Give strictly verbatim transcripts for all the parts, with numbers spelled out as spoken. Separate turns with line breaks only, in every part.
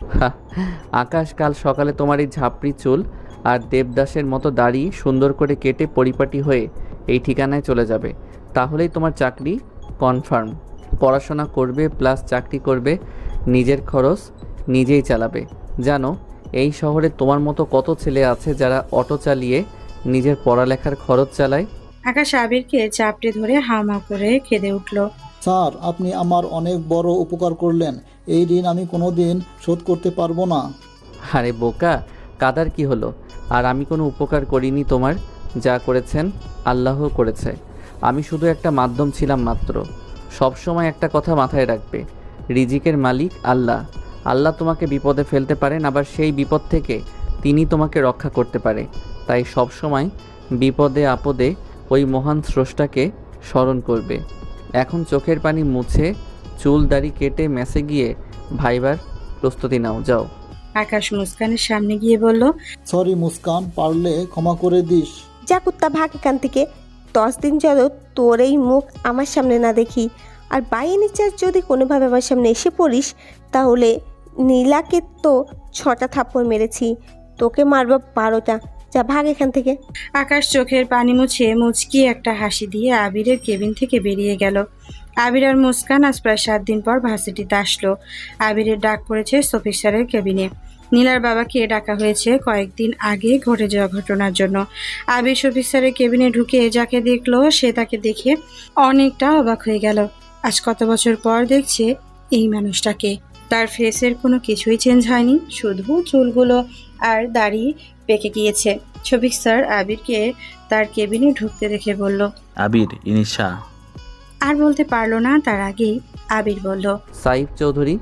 হা, আকাশ, কাল সকালে তোমার এই ঝাপড়ি চুল আর দেবদাসের মতো দাড়ি সুন্দর করে কেটে পরিপাটি হয়ে এই ঠিকানায় চলে যাবে। তাহলেই তোমার চাকরি কনফার্ম। পড়াশোনা করবে প্লাস চাকরি করবে, নিজের খরচ নিজেই চালাবে। জানো, এই শহরে তোমার মতো কত ছেলে আছে যারা অটো চালিয়ে নিজের পড়ালেখার খরচ চালায়।
আকাশ আবিরকে চাপটে ধরে হামা করে কেঁদে উঠল।
স্যার, আপনি আমার অনেক বড় উপকার করলেন। এই ঋণ আমি কোনো দিন শোধ করতে পারবো না।
আরে বোকা, কাদার কি হলো? আর আমি কোনো উপকার করিনি তোমার। যা করেছেন আল্লাহ করেছে, আমি শুধু একটা মাধ্যম ছিলাম মাত্র। সব সময় একটা কথা মাথায় রাখবে, রিজিকের মালিক আল্লাহ। আল্লাহ তোমাকে বিপদে ফেলতে পারেন, আবার সেই বিপদ থেকে তিনি তোমাকে রক্ষা করতে পারে। তাই সব সময় বিপদে আপদে ওই মহান স্রষ্টাকে স্মরণ করবে। এখন চোখের পানি মুছে চুল দাড়ি কেটে মেসে গিয়ে ভাইবার প্রস্তুতি নাও, যাও।
আকাশ মুস্কানের সামনে গিয়ে বলল,
সরি মুস্কান, পারলে ক্ষমা করে দিস।
যা কুত্তা, ভাগ এখান থেকে। দশ দিন যেন তোর এই মুখ আমার সামনে না দেখি। আর বাই এনি চান্স যদি কোনোভাবে আমার সামনে এসে পড়িস, তাহলে নীলাকে তো ছটা থাপ্পড় মেরেছি, তোকে মারব বারোটা। যা ভাগ এখান থেকে।
আকাশ চোখের পানি মুছে মুচকি একটা হাসি দিয়ে আবিরের কেবিন থেকে বেরিয়ে গেল। আবির আর মুস্কান আজ প্রায় সাত দিন পর ভার্সিটিতে আসলো। আবিরের ডাক পড়েছে শফিক স্যারের কেবিনে। নীলার বাবাকে ডাকা হয়েছে কয়েকদিন আগে ঘটে যাওয়া ঘটনার জন্য। আবির শফিক স্যারের কেবিনে ঢুকে যাকে দেখলো, সে তাকে দেখে অনেকটা অবাক হয়ে গেল। আজ কত বছর পর দেখছে এই মানুষটাকে। তার ফেসের কোনো কিছুই চেঞ্জ হয়নি, শুধু চুলগুলো আর দাড়ি পেকে গিয়েছে। শফিক স্যার আবিরকে তার কেবিনে ঢুকতে দেখে বলল,
আবির, ইনিশা।
আর বলতে পারলো না, তার আগেই আবির বলল,
সাইফ চৌধুরী।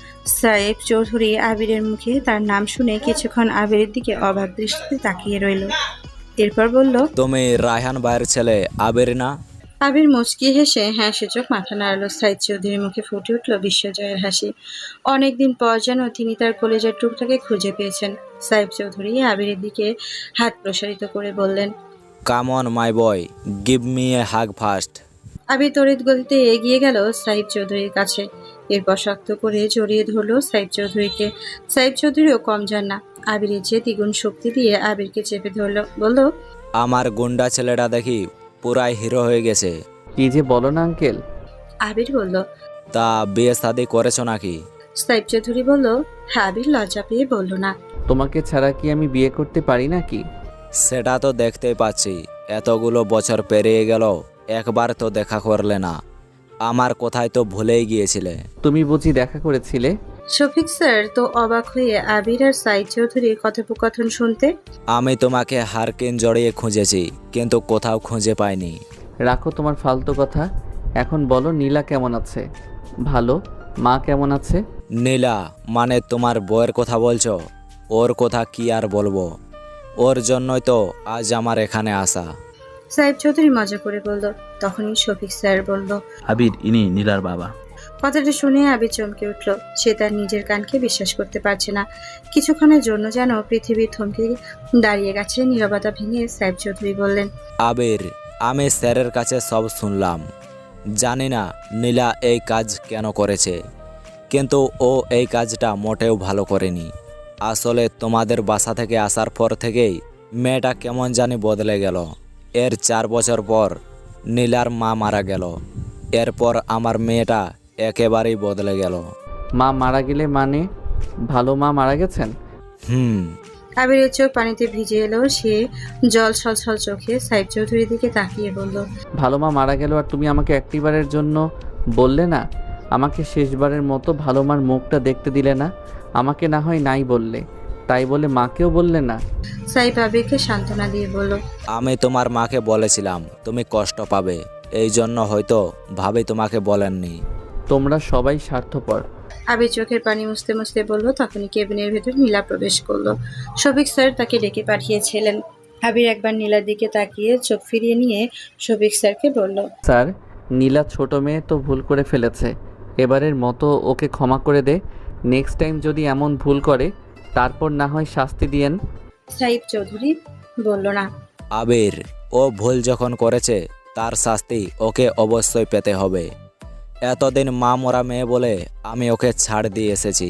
সাইফ চৌধুরী। আবিরের মুখে তার নাম শুনে কিছুক্ষণ আবিরের দিকে অবাক দৃষ্টিতে তাকিয়ে রইল। এরপর বলল,
তুমি রায়হান ভাইয়ের ছেলে আবির না?
আবির মুচকি হেসে হ্যাঁ সূচক মাথা নাড়ালো। সাইদ চৌধুরীর মুখে ফুটে উঠল বিশ্বজয়ের হাসি। অনেকদিন পর যেন তিনি তার কলেজের টুকটাকে খুঁজে পেয়েছেন। সাইফ চৌধুরী আবিরের দিকে হাত প্রসারিত করে বললেন,
come on my boy, give me a hug first.
Abir তড়িৎ গতিতে এগিয়ে গেল সাইফ চৌধুরীর কাছে। এরপর শক্ত করে জড়িয়ে ধরলো সাইফ চৌধুরীকে। সাইফ চৌধুরীও কম যান না, আবিরের যে দ্বিগুণ শক্তি দিয়ে আবিরকে চেপে ধরল। বলল,
আমার গুন্ডা ছেলেটা দেখি পুরাই হিরো হয়ে গেছে।
কি যে বলো না আঙ্কেল।
আবির বলল,
তা বিয়ে শাদি করেছো নাকি?
সাইফ চৌধুরী বলল, হ্যাঁ। আবির লজ্জা পেয়ে বলল, না।
তোমাকে ছাড়া কি আমি বিয়ে করতে পারি নাকি?
সেটা তো দেখতেই পাচ্ছি, এতগুলো বছর পেরিয়ে গেল, একবার তো দেখা করলে না। আমার কোথায় তো ভুলেই গিয়েছিলে।
তুমি বুঝি দেখা করেছিলে?
শফিক স্যার তো অবাক হয়ে আবির আর সাইদ চৌধুরীর কথোপকথন শুনতে।
আমি তোমাকে হারকিন জড়িয়ে খুঁজেছি, কিন্তু কোথাও খুঁজে পাইনি।
রাখো তোমার ফালতু কথা। এখন বলো, নীলা কেমন আছে? ভালো। মা কেমন আছে?
নীলা মানে তোমার বউয়ের কথা বলছো? ওর কথা কি আর বলবো, ওর জন্যই তো আজ আমার এখানে আসা।
সাইদ চৌধুরী মজা করে বলল। তখনই শফিক স্যার বলল,
আবির, ইনি নীলার বাবা।
কথাটা শুনে আবির চমকে উঠল। সে তার নিজের কানকে বিশ্বাস করতে পারছে না। কিছুক্ষণের জন্য যেন পৃথিবী থমকে দাঁড়িয়ে গেছে। নীরবতা ভেঙে সাইদ চৌধুরী বললেন,
আবির, আমি স্যারের কাছে সব শুনলাম। জানি না নীলা এই কাজ কেন করেছে, কিন্তু ও এই কাজটা মোটেও ভালো করেনি। আসলে তোমাদের বাসা থেকে আসার পর থেকেই মেয়েটা কেমন জানি বদলে গেল। এর চার বছর পর নীলার মা মারা গেল। এরপর আমার মেয়েটা একেবারেই বদলে গেল।
মা মারা গেলে মানে? ভালো মা মারা গেছেন?
হুম।
আবিরের চোখ পানিতে ভিজে এলো। সে জল ছলছল চোখে সাইদ চৌধুরীর দিকে তাকিয়ে বলল,
ভালো মা মারা গেল আর তুমি আমাকে একটিবারের জন্য বললে না? আমাকে শেষবারের মতো ভালো মার মুখটা দেখতে দিলে না? আমাকে না হয় নাই বললে, তাই বলে মাকেও বললে না?
সাইফ আবিরকে সান্ত্বনা দিয়ে বলল,
আমি তোমার মাকে বলেছিলাম তুমি কষ্ট পাবে, এই জন্য হয়তো ভাবি তোমাকে বলেননি।
তোমরা সবাই স্বার্থপর।
আবির চোখের পানি মুছতে মুছতে বলল। তখনই কেবিনের ভেতর নীলা প্রবেশ করলো। শফিক স্যার তাকে ডেকে পাঠিয়েছিলেন। আবির একবার নীলার দিকে তাকিয়ে চোখ ফিরিয়ে নিয়ে শফিক স্যারকে বলল,
স্যার, নীলা ছোট মেয়ে তো ভুল করে ফেলেছে, এবারের মতো ওকে ক্ষমা করে দে। নেক্সট টাইম যদি এমন ভুল করে তারপর না হয় শাস্তি দিয়েন।
সাইফ চৌধুরী বলল, না।
আবির, ও ভুল যখন করেছে তার শাস্তি ওকে অবশ্যই পেতে হবে। এতদিন মা মরা মেয়ে বলে আমি ওকে ছাড় দিয়ে এসেছি,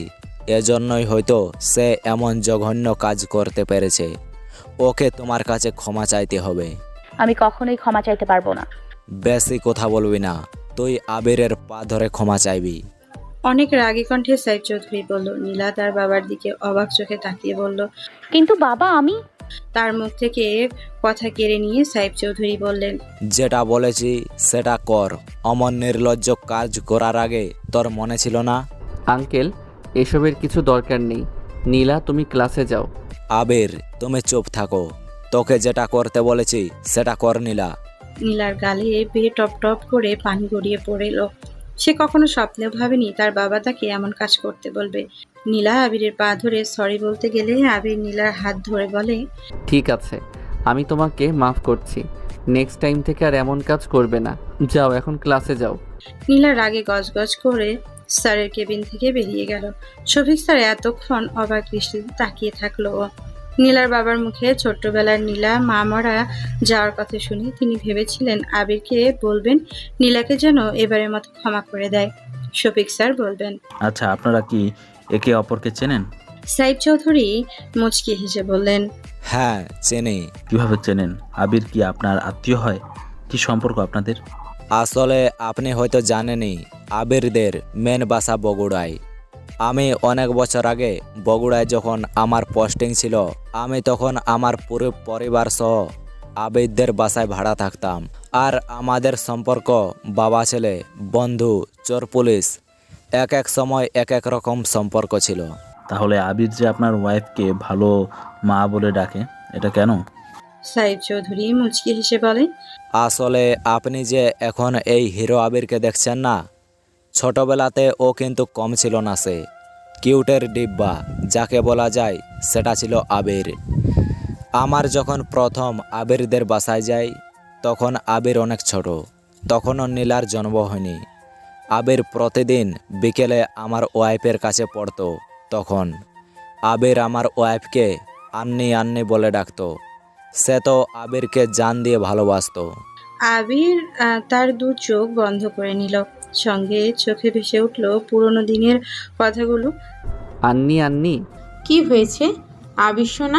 এজন্যই হয়তো সে এমন জঘন্য কাজ করতে পেরেছে। ওকে তোমার কাছে ক্ষমা চাইতে হবে।
আমি কখনোই ক্ষমা চাইতে পারবো না।
বেশি কথা বলবি না, তুই আবিরের পা ধরে ক্ষমা চাইবি।
অনেক রাগী কণ্ঠে সাইফ চৌধুরী বলল। নীলা তার বাবার দিকে অবাক চোখে তাকিয়ে বলল।
কিন্তু বাবা আমি
তার মুখ থেকে কথা কেড়ে নিয়ে সাইফ চৌধুরী বললেন,
যেটা বলেছি সেটা কর। অমন নির্লজ্জ কাজ করার আগে তোর মনে ছিল না?
আঙ্কেল, এসবের কিছু দরকার নেই। নীলা, তুমি ক্লাসে যাও।
আবির, তুমি চুপ থাকো। তোকে যেটা করতে বলেছি সেটা কর নীলা।
নীলার গালে বেয়ে টপ টপ করে পানি গড়িয়ে পড়েল। সে কখনো স্বপ্নেও ভাবেনি তার বাবা তাকে এমন কাজ করতে বলবে। নীলা আবিরের পা ধরে সরি বলতে গেলে আবির নীলার হাত ধরে বলে,
ঠিক আছে, আমি তোমাকে মাফ করছি। নেক্সট টাইম থেকে আর এমন কাজ করবে না। যাও, এখন ক্লাসে যাও।
নীলা রাগে গজগজ করে স্যারের কেবিন থেকে বেরিয়ে গেল। শফিক স্যার এতক্ষণ অবাক দৃষ্টিতে তাকিয়ে থাকলো। নীলার বাবার মুখে ছোট্টবেলার নীলা মা মরা যাওয়ার কথা শুনে তিনি ভেবেছিলেন আবিরকে বলবেন নীলাকে যেন এবারের মতো ক্ষমা করে দেয়। শফিক স্যার বলবেন,
আচ্ছা, আপনারা কি একে অপরকে চেনেন?
সাইফ চৌধুরী মুচকি হেসে বললেন,
হ্যাঁ চেনে।
কিভাবে চেনেন? আবির কি আপনার আত্মীয় হয়? কি সম্পর্ক আপনাদের?
আসলে আপনি হয়তো জানেনই, আবিরদের মেন বাসা বগুড়ায়। আমি অনেক বছর আগে বগুড়ায় যখন আমার পোস্টিং ছিল, আমি তখন আমার পুরো পরিবার সহ আবিরদের বাসায় ভাড়া থাকতাম। আর আমাদের সম্পর্ক বাবা ছেলে, বন্ধু, চোর পুলিশ, এক এক সময় এক এক রকম সম্পর্ক ছিল।
তাহলে আবির যে আপনার ওয়াইফকে ভালো মা বলে ডাকে, এটা কেন?
সাইফ চৌধুরী মুচকি হেসে বলেন,
আসলে আপনি যে এখন এই হিরো আবিরকে দেখছেন না, ছোটবেলাতে ও কিন্তু কম ছিল না। সে কিউটের ডিব্বা যাকে বলা যায়, সেটা ছিল আবির। আমার যখন প্রথম আবিরদের বাসায় যাই, তখন আবির অনেক ছোট, তখনও নীলার জন্ম হয়নি। আবির প্রতিদিন বিকেলে আমার ওয়াইফের কাছে পড়তো। তখন আবির আমার ওয়াইফকে আন্নি আন্নি বলে ডাকতো। সে তো আবিরকে জান দিয়ে ভালোবাসতো।
আবির আহ, তার দু চোখ বন্ধ করে নিল। সঙ্গে চোখে ভেসে উঠল পুরনো দিনের কথাগুলো।
আন্নি আন্নি
কি হয়েছে আবির সোনা?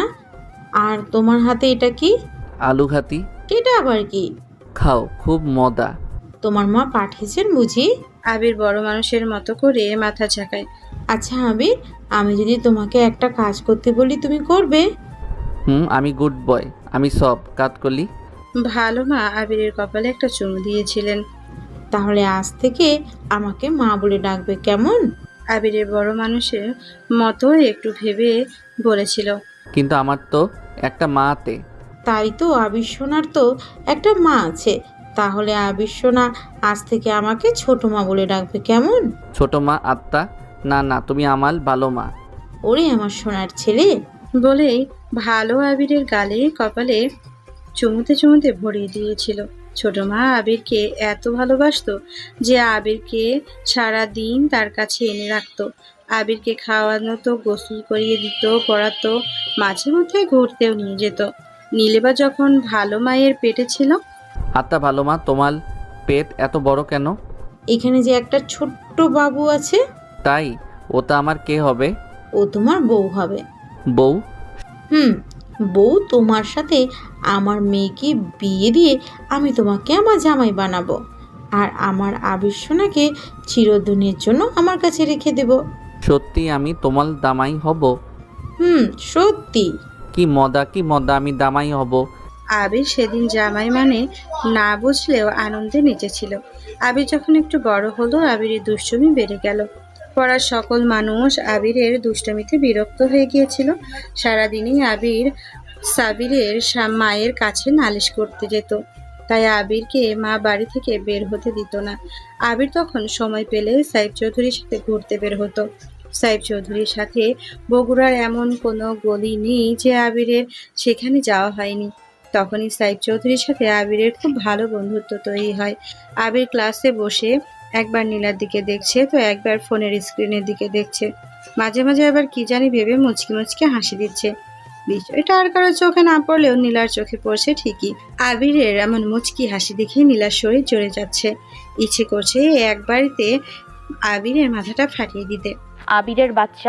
আর তোমার হাতে এটা কি?
আলু ঘাতি।
এটা আবার কি?
খাও, খুব মজা।
তোমার মা পাঠিয়েছেন বুঝি?
আবির বড় মানুষের মতো করে মাথা ঝাঁকায়।
আচ্ছা আবির, আমি যদি তোমাকে একটা কাজ করতে বলি তুমি করবে?
হুম, আমি গুড বয়, আমি সব কাজ করলি।
ভালো মা আবিরের কপালে একটা চুমু দিয়েছিলেন।
তাহলে আজ থেকে আমাকে মা বলে ডাকবে, কেমন?
আবিরের বড় মানুষের মতো একটু ভেবে বলেছিল,
কিন্তু আমার তো একটা মা আতে।
তাই তো, আবির সোনার তো একটা মা আছে। তাহলে আবির সোনা আজ থেকে আমাকে ছোট মা বলে ডাকবে, কেমন?
ছোট মা আত্মা? না না, তুমি আমার ভালো মা।
ওরে আমার সোনার ছেলে।
বলেই ভালো আবিরের গালে কপালে চুমুতে চুমুতে ভরিয়ে দিয়েছিল। ছোট মা আবিরকে এত ভালোবাসতো যে আবিরকে সারা দিন তার কাছে এনে রাখতো। আবিরকে খাওয়ানো তো, গোসল করিয়ে দিত, পড়াতো, মাঝে মধ্যে ঘুরতেও নিয়ে যেত। নীলেবা যখন ভালো মায়ের পেটে ছিল।
আত্মা ভালো মা, তোমার পেট এত বড় কেন?
এখানে যে একটা ছোট্ট বাবু আছে।
তাই? ওটা আমার কে হবে?
ও তোমার বউ হবে।
বউ?
হুম, বউ তোমার সাথে আমার মেয়েকে বিয়ে দিয়ে আমি তোমাকে আমার জামাই বানাবো। আর আমার আবির সোনাকে চিরদিনের জন্য আমার কাছে রেখে দেব।
সত্যি আমি তোমার দামাই হব?
হুম, সত্যি।
কি মজা, কি মজা, আমি দামাই হব।
আবির সেদিন জামাই মানে না বুঝলেও আনন্দে নেচেছিল। আবির যখন একটু বড় হলো, আবিরের দুষ্টুমি বেড়ে গেল। পড়ার সকল মানুষ আবিরের দুষ্টমিতে বিরক্ত হয়ে গিয়েছিল। সারাদিনই আবির সাবিরের সা- মায়ের কাছে নালিশ করতে যেত। তাই আবিরকে মা বাড়ি থেকে বের হতে দিত না। আবির তখন সময় পেলে সাইফ চৌধুরীর সাথে ঘুরতে বের হতো। সাইফ চৌধুরীর সাথে বগুড়ার এমন কোনো গলি নেই যে আবিরের সেখানে যাওয়া হয়নি। তখনই সাইফ চৌধুরীর সাথে আবিরের খুব ভালো বন্ধুত্ব তৈরি হয়। আবির ক্লাসে বসে একবার নীলার দিকে দেখছে, তো একবার ফোনের স্ক্রিনের দিকে দেখছে। মাঝে মাঝে আবার কি জানি ভেবে মুচকি মুচকি হাসি দিচ্ছে। বিষয়টা আর কারোর চোখে না পড়লেও নীলার চোখে পড়ছে ঠিকই। আবিরের এমন মুচকি হাসি দেখে নীলার শরীর জ্বলে যাচ্ছে। ইচ্ছে করছে এক বাড়িতে আবিরের মাথাটা ফাটিয়ে দিতে।
আবিরের বাচ্চা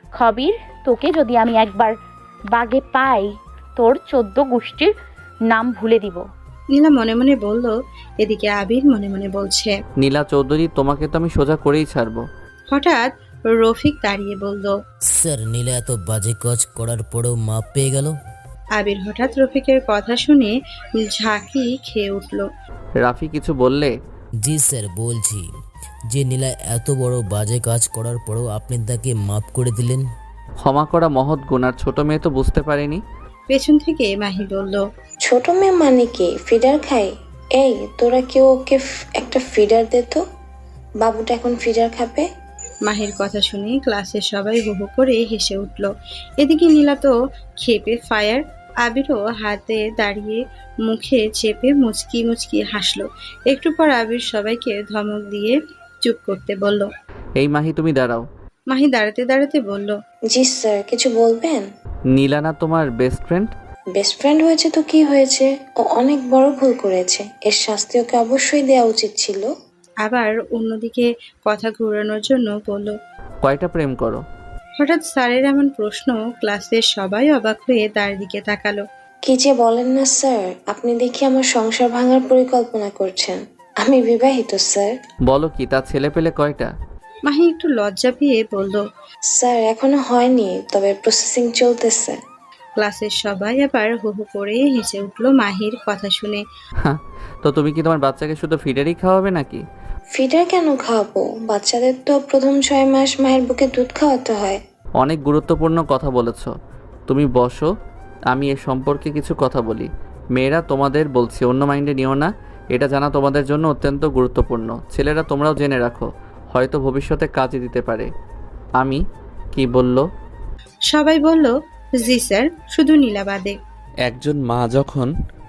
খবির, তোকে যদি আমি একবার বাগে পাই তোর চোদ্দ গোষ্ঠীর নাম ভুলে দিব।
নীলা মনে মনে বলল। এদিকে আবির মনে মনে বলছে।
নীলা চৌধুরী, তোমাকে তো আমি সোজা করেই ছাড়বো।
হঠাৎ রফিক দাঁড়িয়ে বলল।
স্যার, নীলা এত বাজে কাজ করার পরেও মাপ পেয়ে গেল।
আবির হঠাৎ রফিকের কথা শুনে ঝাঁকি খেয়ে উঠল।
রাফি কিছু বললে?
জি স্যার, বলছি যে নীলা এত বড় বাজে কাজ করার পরেও আপনি তাকে মাপ করে দিলেন।
ক্ষমা করা মহৎ গুণ, আর ছোট মেয়ে তো বুঝতে পারেনি।
পেছন থেকে মাহি বলল।
ছোট মেয়ে মানে কি? ফিডার খায়? এই তোরা কেউ ওকে ফ- একটা ফিডার দে তো, বাবুটা এখন ফিডার খাবে।
মাহির কথা শুনে ক্লাসের সবাই হো হো করে হেসে উঠল। এদিকে নীলা তো খেপে ফায়ার। আবিরও হাতে দাঁড়িয়ে মুখে চেপে মুচকি মুচকি হাসলো। একটু পর আবির সবাইকে ধমক দিয়ে চুপ করতে বলল।
এই মাহি, তুমি দাঁড়াও।
মাহি দাঁড়াতে দাঁড়াতে বলল।
জি স্যার, কিছু বলবেন?
নীলা না তোমার বেস্ট ফ্রেন্ড?
বেস্ট ফ্রেন্ড হয়েছে তো কি হয়েছে? ও অনেক বড় ভুল করেছে, এর শাস্তি ওকে অবশ্যই দেওয়া উচিত ছিল।
আবার অন্যদিকে কথা ঘোরানোর জন্য বলল।
কয়টা প্রেম করো?
হঠাৎ স্যারের এমন প্রশ্ন ক্লাসের সবাই অবাক হয়ে তার দিকে তাকালো।
কি যে বলেন না স্যার, আপনি দেখি আমার সংসার ভাঙার পরিকল্পনা করছেন। আমি বিবাহিত স্যার।
বলো কি, তার ছেলে পেলে কয়টা?
মাহি একটু লজ্জা পেয়ে বলল।
স্যার এখনো হয়নি, তবে প্রসেসিং চলতেছে।
ক্লাসের সবাই আবার হো হো করে হেসে উঠল মাহির কথা শুনে।
হ্যাঁ, তো তুমি কি তোমার বাচ্চাকে শুধু ফিডারই খাওয়াবে নাকি?
ফিডার কেন খাওয়াবো? বাচ্চাদের তো প্রথম ছয় মাস মায়ের বুকে দুধ খাওয়াতে হয়।
অনেক গুরুত্বপূর্ণ কথা বলেছ। তুমি বসো, আমি এ সম্পর্কে কিছু কথা বলি। মেয়েরা, তোমাদের বলছি, অন্য মাইন্ডে নিও না। এটা জানা তোমাদের জন্য অত্যন্ত গুরুত্বপূর্ণ। ছেলেরা, তোমরাও জেনে রাখো, হয়তো ভবিষ্যতে কাজে দিতে পারে। আমি কি বলল?
সবাই বলল জি স্যার, শুধু নীলা বাদে।
একজন মা যখন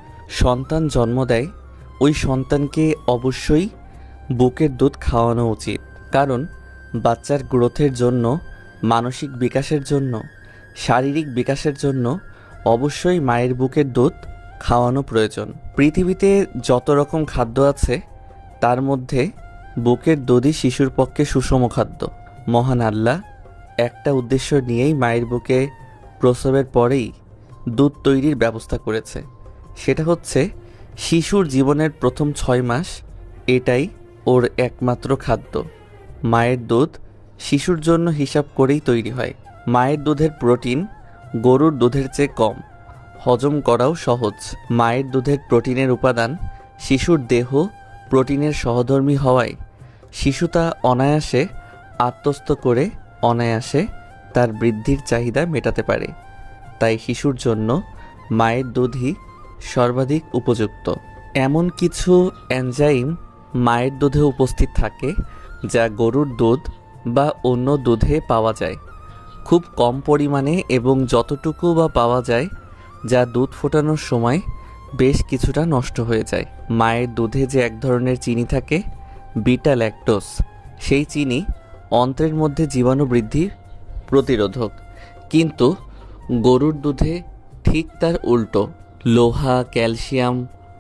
সন্তান জন্ম দেয়, ওই সন্তানকে অবশ্যই বুকের দুধ খাওয়ানো উচিত। কারণ বাচ্চার গ্রোথের জন্য, মানসিক বিকাশের জন্য, শারীরিক বিকাশের জন্য অবশ্যই মায়ের বুকের দুধ খাওয়ানো প্রয়োজন। পৃথিবীতে যত রকম খাদ্য আছে তার মধ্যে বুকের দুধই শিশুর পক্ষে সুষম খাদ্য। মহান আল্লাহ একটা উদ্দেশ্য নিয়েই মায়ের বুকে প্রসবের পরেই দুধ তৈরির ব্যবস্থা করেছে। সেটা হচ্ছে শিশুর জীবনের প্রথম ছয় মাস এটাই ওর একমাত্র খাদ্য। মায়ের দুধ শিশুর জন্য হিসাব করেই তৈরি হয়। মায়ের দুধের প্রোটিন গরুর দুধের চেয়ে কম, হজম করাও সহজ। মায়ের দুধের প্রোটিনের উপাদান শিশুর দেহ প্রোটিনের সহধর্মী হওয়ায় শিশু তা অনায়াসে আত্মস্থ করে অনায়াসে তার বৃদ্ধির চাহিদা মেটাতে পারে। তাই শিশুর জন্য মায়ের দুধই সর্বাধিক উপযুক্ত। এমন কিছু এনজাইম মায়ের দুধে উপস্থিত থাকে যা গরুর দুধ বা অন্য দুধে পাওয়া যায় খুব কম পরিমাণে, এবং যতটুকু বা পাওয়া যায় যা দুধ ফোটানোর সময় বেশ কিছুটা নষ্ট হয়ে যায়। মায়ের দুধে যে এক ধরনের চিনি থাকে, বিটা ল্যাকটোজ, সেই চিনি অন্ত্রের মধ্যে জীবাণু বৃদ্ধির প্রতিরোধক। কিন্তু গরুর দুধে ঠিক তার উল্টো। লোহা, ক্যালসিয়াম,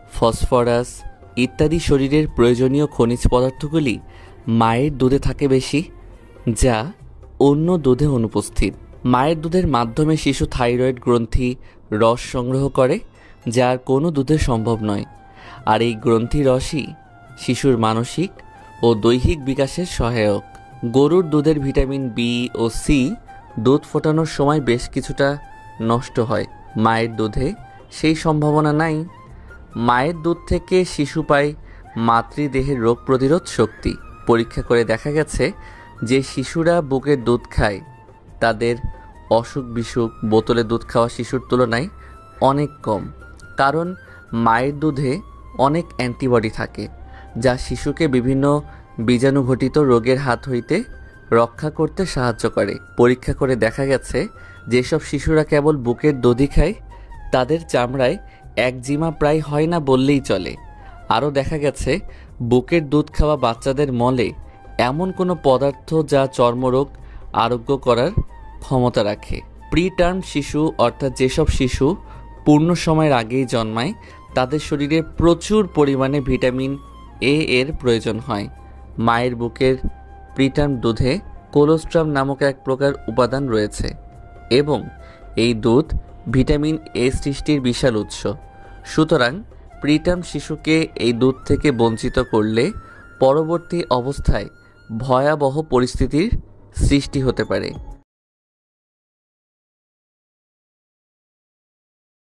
ফসফরাস ইত্যাদি শরীরের প্রয়োজনীয় খনিজ পদার্থগুলি মায়ের দুধে থাকে বেশি, যা অন্য দুধে অনুপস্থিত। মায়ের দুধের মাধ্যমে শিশু থাইরয়েড গ্রন্থি রস সংগ্রহ করে, যা আর কোনো দুধে সম্ভব নয়। আর এই গ্রন্থি রসই শিশুর মানসিক ও দৈহিক বিকাশের সহায়ক। গরুর দুধের ভিটামিন বি ও সি দুধ ফোটানোর সময় বেশ কিছুটা নষ্ট হয়। মায়ের দুধে সেই সম্ভাবনা নাই। মায়ের দুধ থেকে শিশু পায় মাতৃদেহের রোগ প্রতিরোধ শক্তি। পরীক্ষা করে দেখা গেছে যে শিশুরা বুকের দুধ খায় তাদের অসুখ বিসুখ বোতলে দুধ খাওয়া শিশুর তুলনায় অনেক কম। কারণ মায়ের দুধে অনেক অ্যান্টিবডি থাকে, যা শিশুকে বিভিন্ন বীজাণুঘটিত রোগের হাত হইতে রক্ষা করতে সাহায্য করে। পরীক্ষা করে দেখা গেছে যেসব শিশুরা কেবল বুকের দুধই খায় তাদের চামড়ায় একজিমা প্রায় হয় না বললেই চলে। আরও দেখা গেছে বুকের দুধ খাওয়া বাচ্চাদের মলে এমন কোনো পদার্থ যা চর্মরোগ আরোগ্য করার ক্ষমতা রাখে। প্রিটার্ম শিশু, অর্থাৎ যেসব শিশু পূর্ণ সময়ের আগেই জন্মায়, তাদের শরীরে প্রচুর পরিমাণে ভিটামিন এ এর প্রয়োজন হয়। মায়ের বুকের প্রিটার্ম দুধে কোলোস্ট্রাম নামক এক প্রকার উপাদান রয়েছে এবং এই দুধ ভিটামিন এ সৃষ্টির বিশাল উৎস। সুতরাং প্রিটার্ম শিশুকে এই দুধ থেকে বঞ্চিত করলে পরবর্তী অবস্থায় ভয়াবহ পরিস্থিতির সৃষ্টি হতে পারে।